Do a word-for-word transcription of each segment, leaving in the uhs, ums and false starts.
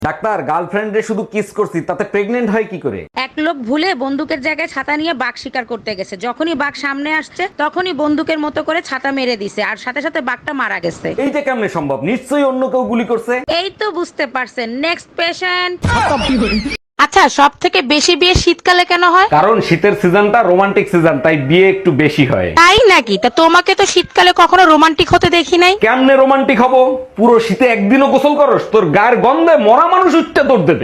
Doctor, গার্লফ্রেন্ডে শুধু kiss করছি, তাতে প্রেগনেন্ট হয় কি করে? এক লোক ভুলে বন্দুকের জায়গায় ছাতা নিয়ে বাঘ শিকার করতে গেছে। যখনই বাঘ সামনে আসছে তখনই বন্দুকের মতো করে ছাতা মেরে দিছে, আর সাথে সাথে বাঘটা মারা গেছে। এইটা কেমনে সম্ভব? নিশ্চয়ই অন্য কেউ গুলি করছে। এই তো বুঝতে পারছেন। Next patient. আচ্ছা, সব থেকে বেশি বিয়ে শীতকালে কেন হয়? কারণ শীতের সিজনটা রোমান্টিক সিজন, তাই বিয়ে একটু বেশি হয়। তাই নাকি? তা তোমাকে তো শীতকালে কখনো রোমান্টিক হতে দেখি নাই। কেমনে রোমান্টিক হব? পুরো শীতে একদিনও গোসল করস? তোর গায়ের গন্ধে মরা মানুষ উঠতে তোর দেবে।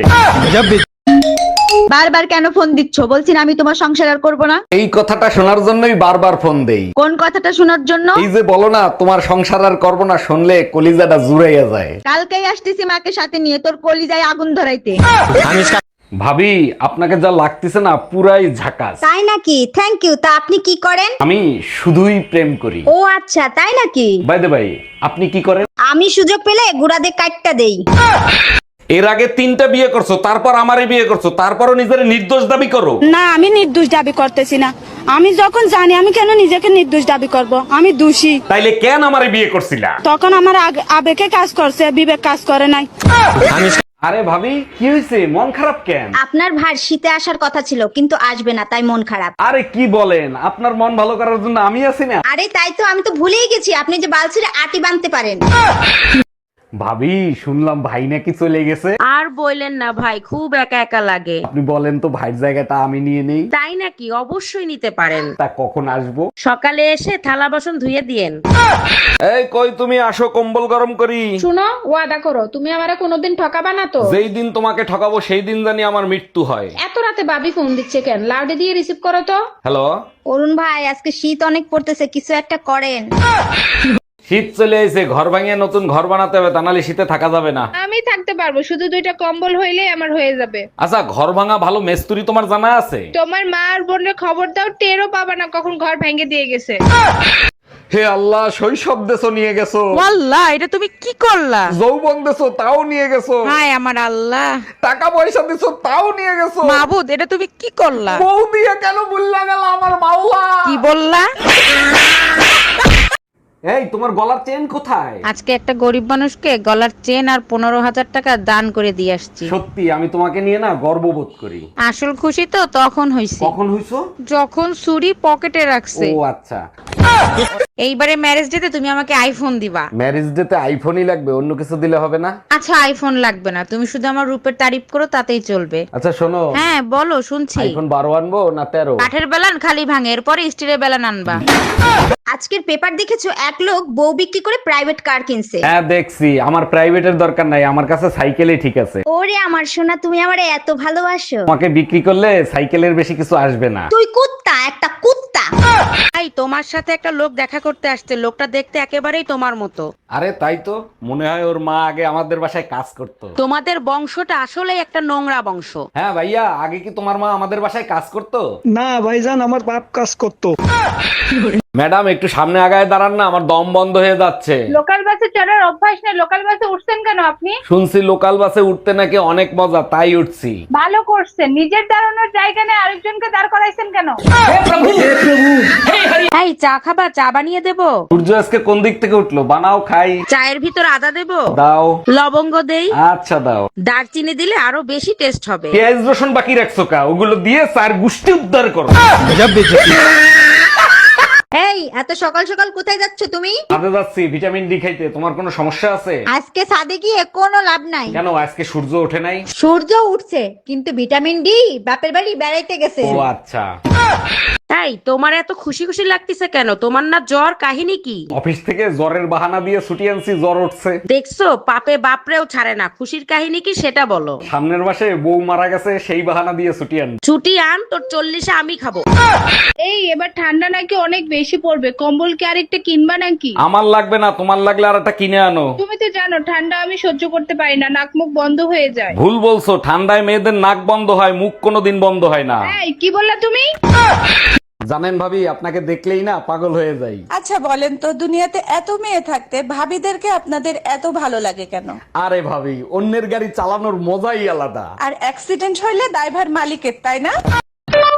বারবার কেন ফোন দিচ্ছ? বলছি না আমি তোমার সংসার আর করবো না। এই কথাটা শোনার জন্যই বারবার ফোন দেই। কোন কথাটা শোনার জন্য? এই যে বলো না তোমার সংসার আর করবো না, শুনলে কলিজাটা জুড়াইয়া যায়। কালকেই আসতেছি মাকে সাথে নিয়ে, তোর কলিজায় আগুন ধরাইতে। ভাবি, আপনাকে যা লাগতেছে না পুরাই ঝাকাস। তাই নাকি? Thank you. তা আপনি কি করেন? আমি শুধুই প্রেম করি। ও আচ্ছা, তাই নাকি? বাই দ্য বাই, আপনি কি করেন? আমি সুযোগ পেলে গুড়াদের কাটটা দেই। এর আগে তিনটা বিয়ে করছো, তারপর আমারে বিয়ে করছো, তারপরও নিজের নির্দোষ দাবি করো। না, আমি নির্দোষ দাবি করতেছি না। আমি যখন জানি, আমি কেন নিজেকে নির্দোষ দাবি করব? আমি দোষী। তাইলে কেন আমারে বিয়ে করছিলা? তখন আমার আগ- আবেগে কাজ করছে, বিবেক কাজ করে নাই। আরে ভাবি, কি হয়েছে? মন খারাপ কেন? আপনার ভার শীতে আসার কথা ছিল, কিন্তু আসবে না, তাই মন খারাপ। আরে কি বলেন, আপনার মন ভালো করার জন্য আমি আছি না। আরে তাই তো, আমি তো ভুলেই গেছি আপনি যে বালছিরে আটি বাঁধতে পারেন। ভাবি, শুনলাম ভাই নাকি চলে গেছে। আর বললেন না ভাই, খুব একা একা লাগে। আপনি বলেন তো ভাইয়ের জায়গাটা আমি নিয়ে নেই। তাই নাকি? অবশ্যই নিতে পারেন। তা কখন আসবো? সকালে এসে থালা বাসন ধুয়ে দিয়েন। এই কই তুমি, আসো কম্বল গরম করি। শুনো, ওয়াদা করো তুমি আমারে কোনোদিন ঠকাবা না তো। যেই দিন তোমাকে ঠকাবো সেই দিন জানি আমার মৃত্যু হয়। এত রাতে ভাবি ফোন দিচ্ছে কেন? লাউডে দিয়ে রিসিভ করো তো। হ্যালো। অরুণ ভাই, আজকে শীত অনেক পড়তেছে, কিছু একটা করেন। শীত চলে এসে, ঘর ভাঙিয়ে নতুন ঘর বানাতে হবে, তা নাহলে শীতে থাকা যাবে না। আমি থাকতে পারবো, শুধু দুইটা কম্বল হইলেই আমার হয়ে যাবে। আচ্ছা, ঘর ভাঙা ভালো মেস্তুরি তোমার জানা আছে? তোমার মা আর বোনের খবর দাও, টেরও পাবা না কখন ঘর ভেঙে দিয়ে গেছে। হে আল্লাহ, শৈশব দেশো নিয়ে গেছো, ওয়াল্লাহ, এটা তুমি কি করলা? যৌবন দেশো তাও নিয়ে গেছো, হায় আমার আল্লাহ। টাকা পয়সা দিছো তাও নিয়ে গেছো। মাবুদ, এটা তুমি কি করলা? বউ দিয়ে কেন ভুল্লা গেল আমার মাওলা? কি বললা? এই তোমার গলার চেন কোথায়? আজকে একটা গরিব মানুষকে গলার চেন আর পনেরো হাজার টাকা দান করে দিয়ে আসছি। সত্যি আমি তোমাকে নিয়ে না গর্ববোধ করি। আসল খুশি তো তখন হইছে কখন হইছো? যখন ছুরি পকেটে রাখছে। ও আচ্ছা। এইবারে ম্যারেজ ডেতে তুমি আমাকে আইফোন দিবা। ম্যারেজ ডেতে আইফোনই লাগবে, অন্য কিছু দিলে হবে না? আচ্ছা, আইফোন লাগবে না, তুমি শুধু আমার রূপের তারিফ করো, তাতেই চলবে। আচ্ছা শোনো, হ্যাঁ বলো, শুনছি। আইফোন বারো আনবো না তেরো? কাঠের বেলান খালি ভাঙে, এরপরে স্টিলের বেলান আনবা। আজকের পেপার দেখেছো, এক লোক বউ বিক্রি করে প্রাইভেট কার কিনছে। হ্যাঁ দেখছি, আমার প্রাইভেটের দরকার নাই, আমার কাছে সাইকেলই ঠিক আছে। ওরে আমার সোনা, তুমি আমারে এত ভালোবাসো। তোমাকে বিক্রি করলে সাইকেলের বেশি কিছু আসবে না। তুই কুত্তা, একটা কুত্তা। এই তোমার সাথে একটা লোক দেখা করতে আসছে, লোকটা দেখতে একেবারেই তোমার মতো। আরে তাই তো, মনে হয় ওর মা আগে আমাদের বাসায় কাজ করতো। তোমাদের বংশটা আসলেই একটা নোংরা বংশ। হ্যাঁ ভাইয়া, আগে কি তোমার মা আমাদের বাসায় কাজ করতো? না ভাইজান, আমার বাপ কাজ করতো। ম্যাডাম একটু সামনে আগায় দাঁড়ান না, আমার দম বন্ধ হয়ে যাচ্ছে। লোকাল বাসে চড়ার অভ্যাস নেই, লোকাল বাসে উঠছেন কেন আপনি? শুনছি লোকাল বাসে উঠতে নাকি অনেক মজা, তাই উঠছি। ভালো করছেন, নিজের দাঁড়ানোর জায়গা নেই আরেকজনকে দাঁড় করাইছেন কেন? এই চা খাবা? চা বানিয়ে দেবো? সূর্য আজকে কোন দিক থেকে উঠলো? বানাও খাই। চায়ের ভিতর আদা দেবো? দাও। লবঙ্গ দেই? আচ্ছা দাও। দারচিনি দিলে আরো বেশি টেস্ট হবে। পেঁয়াজ রসুন বাকি রাখছো কা? ওগুলো দিয়ে চার গুষ্টি উদ্ধার করো। এই এত সকাল সকাল কোথায় যাচ্ছ তুমি? কাজে যাচ্ছি ভিটামিন ডি খাইতে। তোমার কোনো সমস্যা আছে? আজকে সাদে গিয়ে কোনো লাভ নাই। কেন, আজকে সূর্য ওঠে নাই? সূর্য উঠছে, কিন্তু ভিটামিন ডি বাপের বাড়ি বেড়াইতে গেছে। ও আচ্ছা। তাই তোমার এত খুশি খুশি লাগতেছে কেন? তোমার না জ্বর? কাহিনী কি? অফিস থেকে জ্বরের বাহানা দিয়ে ছুটি আনছি, জ্বর উঠছে। দেখছো, পাপে বাপরেও ছাড়ে না। খুশির কাহিনী কি সেটা বলো। সামনের মাসে বউ মারা গেছে, সেই বাহানা দিয়ে ছুটি আন। ছুটি আন, তোর চল্লিশে আমি খাবো। এই এবার ঠান্ডা নাকি অনেক বেশি পড়বে, কম্বল কি আরেকটা কিনবা নাকি? আমার লাগবে না, তোমার লাগলে আর একটা কিনে আনো। তুমি তো জানো ঠান্ডা আমি সহ্য করতে পারি না, নাক মুখ বন্ধ হয়ে যায়। ভুল বলছো, ঠান্ডায় মেয়েদের নাক বন্ধ হয়, মুখ কোনোদিন বন্ধ হয় না। এই কি বললা তুমি? জানেন ভাবি, আপনাকে দেখলেই না পাগল হয়ে যাই। আচ্ছা বলেন তো, দুনিয়াতে এত মেয়ে থাকতে ভাবিদেরকে আপনাদের এত ভালো লাগে কেন? আরে ভাবি, অন্যের গাড়ি চালানোর মজাই আলাদা। আর অ্যাক্সিডেন্ট হইলে ড্রাইভার মালিকের, তাই না?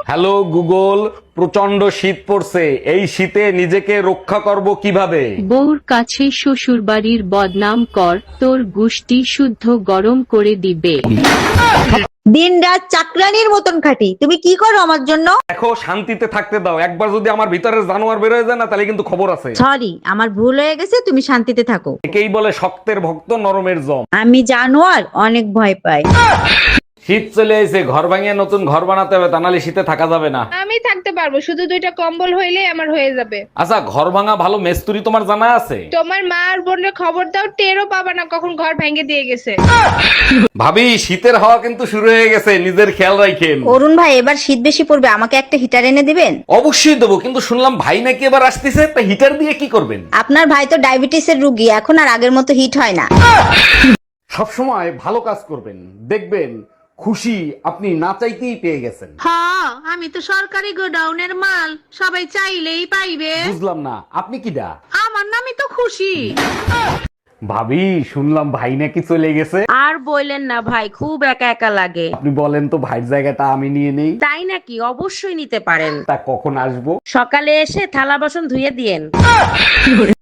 হ্যালো গুগল, প্রচন্ড শীত পড়ছে, এই শীতে নিজেকে রক্ষা করব কিভাবে? বউর কাছে শ্বশুর বাড়ির বদনাম কর, তোর গুষ্টি শুদ্ধ গরম করে দিবে। দিন রাত চাকরানির মতন খাটি, তুমি কি করো আমার জন্য? দেখো, শান্তিতে থাকতে দাও। একবার যদি আমার ভিতরে জানোয়ার বের হয়ে যায় না, তাহলে কিন্তু খবর আছে। সরি, আমার ভুল হয়ে গেছে, তুমি শান্তিতে থাকো। একেই বলে শক্তের ভক্ত নরমের জম। আমি জানোয়ার অনেক ভয় পাই। শীত চলে এসে, ঘর ভাঙিয়ে নতুন ঘর বানাতে হবে, তা নাহলে শীতে থাকা যাবে না। আমি থাকতে পারবো, শুধু দুইটা কম্বল হইলেই আমার হয়ে যাবে। আচ্ছা, ঘর ভাঙা ভালো মেস্তুরি তোমার জানা আছে? তোমার মা আর বোনের খবর দাও, টেরও পাবা না কখন ঘর ভেঙে দিয়ে গেছে। ভাবি, শীতের হাওয়া কিন্তু শুরু হয়ে গেছে, নিজের খেয়াল রাখেন। অরুণ ভাই, এবার শীত বেশি পড়বে, আমাকে একটা হিটার এনে দিবেন? অবশ্যই দেবো, কিন্তু শুনলাম ভাই নাকি এবার আসতেছে, তা হিটার দিয়ে কি করবেন? আপনার ভাই তো ডায়াবেটিসের রুগী, এখন আর আগের মতো হিট হয় না। সবসময় ভালো কাজ করবেন, দেখবেন খুশি আপনি না চাইতেই পেয়ে গেছেন। হ্যাঁ, আমি তো সরকারি গোডাউনের মাল, সবাই চাইলেই পাইবে। বুঝলাম না, আপনি কিডা? আমার নামই তো খুশি। ভাবি, শুনলাম ভাই নাকি চলে গেছে। আর বললেন না ভাই, খুব একা একা লাগে। আপনি বলেন তো, ভাইয়ের জায়গাটা আমি নিয়ে নেই। তাই নাকি? অবশ্যই নিতে পারেন। তা কখন আসবো? সকালে এসে থালা বাসন ধুয়ে দিয়েন।